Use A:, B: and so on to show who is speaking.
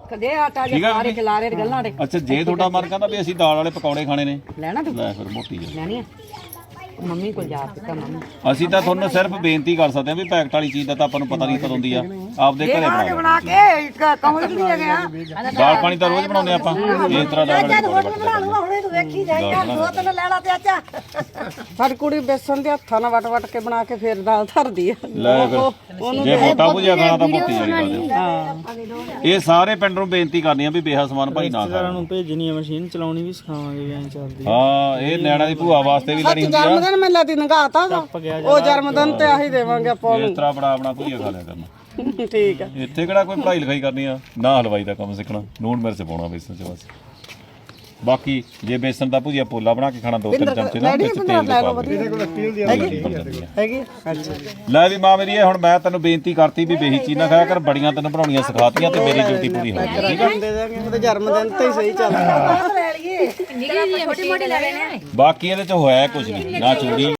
A: ਕਦੇ ਆਟਾ ਜੇ ਸਾਰੇ ਖਿਲਾਰੇ ਗੱਲਾਂ ਦੇ।
B: ਅੱਛਾ ਜੇ ਤੁਹਾਡਾ ਮਨ ਕਹਿੰਦਾ ਵੀ ਅਸੀਂ ਦਾਲ ਵਾਲੇ ਪਕੌੜੇ ਖਾਣੇ ਨੇ
A: ਲੈਣਾ ਤੂੰ
B: ਲੈ ਫਿਰ ਮੋਟੀ ਆ
A: ਲੈਣੀ ਆ ਮੰਮੀ ਕੋਲ ਜਾ ਕੇ ਮੰਮੀ
B: ਅਸੀਂ ਤਾਂ ਤੁਹਾਨੂੰ ਸਿਰਫ ਬੇਨਤੀ ਕਰ ਸਕਦੇ ਹਾਂ ਵੀ ਪੈਕਟ ਵਾਲੀ ਚੀਜ਼ ਦਾ ਤਾਂ ਆਪਾਂ ਨੂੰ ਪਤਾ ਨਹੀਂ ਕਦੋਂ ਹੁੰਦੀ ਆ ਆਪਦੇ ਘਰੇ ਬਣਾ ਲਓ।
A: ਬਣਾ ਕੇ ਕਮਲ ਨਹੀਂ ਹੈਗੇ ਆ
B: ਦਾਲ ਪਾਣੀ ਤਾਂ ਰੋਜ਼ ਬਣਾਉਂਦੇ ਆਪਾਂ ਇਸ ਤਰ੍ਹਾਂ ਦਾ
A: ਹੁਣੇ ਤੂੰ ਵੇਖੀ ਜਾਏਗਾ ਦੋ ਤਿੰਨ ਲੈਣਾ ਤੇ ਅੱਛਾ ਸਾਡੀ ਕੁੜੀ ਬੇਸਣ ਦੇ ਹੱਥਾਂ ਨਾਲ ਵਟ ਕੇ ਬਣਾ ਕੇ ਫੇਰ ਦਾਲ ਧਰਦੀ ਆ
B: ਲੈ ਫਿਰ ਜੇ ਮੋਟਾ ਭੁਜਿਆ ਖਾਣਾ ਤਾਂ ਮੋਟੀ ਵਾਲੀ ਖਾ ਦਿਓ। ਇਹ ਸਾਰੇ ਪਿੰਡ ਨੂੰ ਬੇਨਤੀ ਕਰਨੀ ਆ ਵੀ ਬੇਹਾ ਸਮਾਨ ਭਾਈ ਨਾ ਖਾਣ
C: ਨੂੰ ਭੇਜਣੀ ਆ ਮਸ਼ੀਨ ਚਲਾਉਣੀ ਵੀ ਸਿਖਾਵਾਂਗੇ ਐਂ ਚੱਲਦੀ
B: ਹਾਂ ਇਹ ਨਿਆਣਾ ਦੀ ਭੂਆ ਵਾਸਤੇ ਵੀ ਲੈਣੀ ਹੁੰਦੀ ਆ
A: ਜਨਮਦਿਨ ਮੈਂ ਲਾਦੀ ਨਗਾਤਾ ਉਹ ਜਨਮਦਿਨ ਤੇ ਆਹੀ ਦੇਵਾਂਗੇ ਆਪਾਂ
B: ਇਸ ਤਰ੍ਹਾਂ ਆਪਣਾ ਭੁਜਿਆ ਖਾ ਲਿਆ ਕਰਨਾ।
A: ਠੀਕ ਆ
B: ਇੱਥੇ ਕਿਹੜਾ ਕੋਈ ਪੜ੍ਹਾਈ ਲਿਖਾਈ ਕਰਨੀ ਆ ਨਾ ਹਲਵਾਈ ਦਾ ਕੰਮ ਸਿੱਖਣਾ ਨੂਣ ਮਿਰਚ ਪਾਉਣਾ ਬੇਸਣ ਚ ਬਸ। ਬਾਕੀ ਜੇ ਬੇਸਣ ਦਾ ਭੁਜੀਆ ਪੋਲਾ ਬਣਾ ਕੇ ਖਾਣਾ 2-3 ਚਮਚੇ ਨਾਲ ਵਿੱਚ ਤੇਲ ਦੇ ਪਾ
A: ਹੈਗੀ ਅੱਛਾ
B: ਲੈ ਵੀ ਮਾਂ ਮੇਰੀ ਇਹ ਹੁਣ ਮੈਂ ਤੈਨੂੰ ਬੇਨਤੀ ਕਰਤੀ ਵੀ ਬੇਹੀ ਚੀਜ਼ ਨਾ ਖਾਇਆ ਕਰ ਬੜੀਆਂ ਤੈਨੂੰ ਬਣਾਉਣੀਆਂ ਸਿਖਾਤੀਆਂ ਤੇ ਮੇਰੀ ਡਿਊਟੀ ਪੂਰੀ ਹੋ ਗਈ ਠੀਕ ਆ
A: ਦੇ ਦਾਂਗੇ ਉਹਦੇ ਜਨਮਦਿਨ ਤੇ ਹੀ ਸਹੀ ਚੱਲਦਾ ਲੈ ਲਈਏ
B: ਬਾਕੀ ਇਹਦੇ ਚ ਹੋਇਆ ਕੁਝ ਨਹੀਂ ਨਾ ਚੋਰੀ